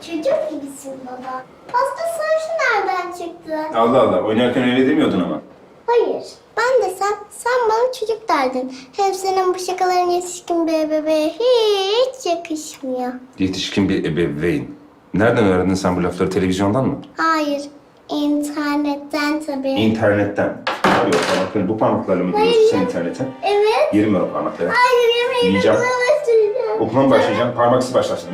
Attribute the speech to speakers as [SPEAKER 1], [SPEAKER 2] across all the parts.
[SPEAKER 1] Çocuk gibisin baba. Pasta sarısı nereden çıktı?
[SPEAKER 2] Allah Allah, oynarken öyle demiyordun ama.
[SPEAKER 1] Hayır. Ben de sen bana çocuk derdin. Hem senin bu şakaların yetişkin bir bebeğe hiç yakışmıyor.
[SPEAKER 2] Yetişkin bir ebeveyn. Nereden öğrendin sen bu lafları, televizyondan mı?
[SPEAKER 1] Hayır. İnternetten tabii.
[SPEAKER 2] İnternetten. Abi o parmakları, bu parmaklarla mı giriyorsun sen internete?
[SPEAKER 1] Evet.
[SPEAKER 2] Yerim ben o parmakları.
[SPEAKER 1] Hayır yemeğimi
[SPEAKER 2] Yiyeceğim.
[SPEAKER 1] bulamazsın.
[SPEAKER 2] Okula mı başlayacağım? Parmaksız başlasın.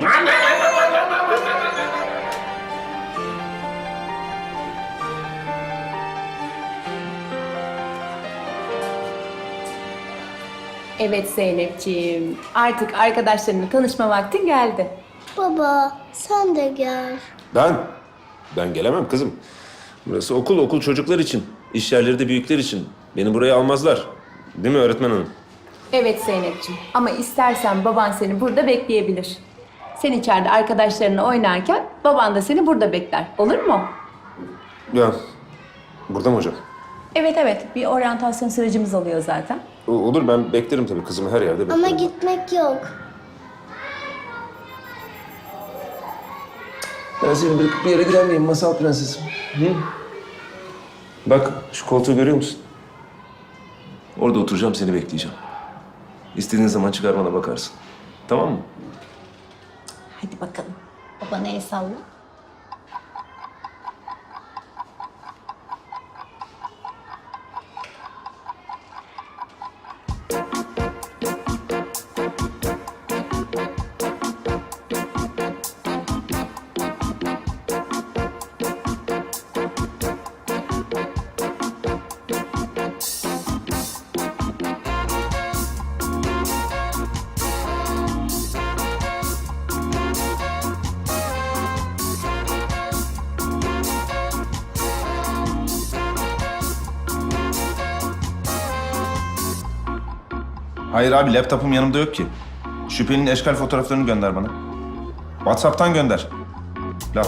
[SPEAKER 3] Evet Zeynepciğim, artık arkadaşlarınla tanışma vaktin geldi.
[SPEAKER 1] Baba sen de gel.
[SPEAKER 4] Ben gelemem kızım. Burası okul çocuklar için. İş yerleri de büyükler için. Beni buraya almazlar. Değil mi öğretmen hanım?
[SPEAKER 3] Evet Zeynepciğim, ama istersen baban seni burada bekleyebilir. Sen içeride arkadaşlarınla oynarken baban da seni burada bekler. Olur mu?
[SPEAKER 4] Ya, burada mı hocam?
[SPEAKER 3] Evet, bir oryantasyon sürecimiz oluyor zaten.
[SPEAKER 4] Olur, ben beklerim tabii kızımı her yerde beklerim.
[SPEAKER 1] Ama gitmek yok.
[SPEAKER 4] Ben seni bırakıp bir yere gider miyim masal prensesim? Hı? Bak, şu koltuğu görüyor musun? Orada oturacağım, seni bekleyeceğim. İstediğin zaman çıkar bana bakarsın. Tamam mı?
[SPEAKER 3] Hadi bakalım. Babana el salla.
[SPEAKER 2] Hayır abi, laptopum yanımda yok ki. Şüphelinin eşkal fotoğraflarını gönder bana. WhatsApp'tan gönder. Laf.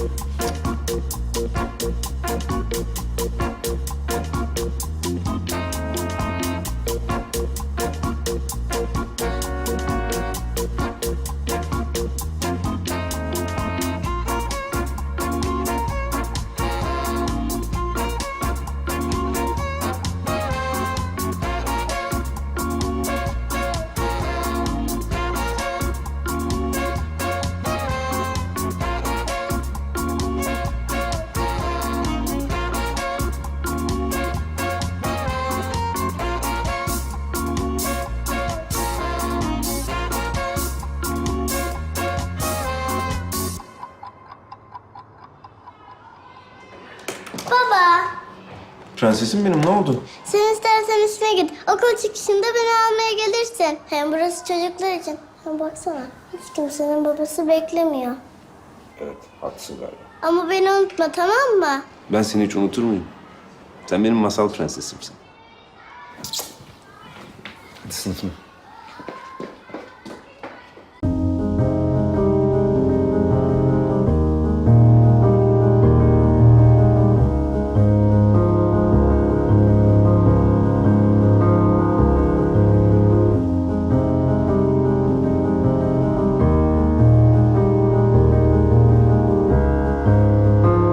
[SPEAKER 1] Baba
[SPEAKER 4] Prensesim benim, ne oldu?
[SPEAKER 1] sen istersen işine git. Okul çıkışında beni almaya gelirsin. Hem burası çocuklar için. Hem baksana hiç kimsenin babası beklemiyor.
[SPEAKER 4] Evet, haklısın galiba.
[SPEAKER 1] Ama beni unutma tamam mı?
[SPEAKER 4] Ben seni hiç unutur muyum? Sen benim masal prensesimsin. Hadi sınıfına.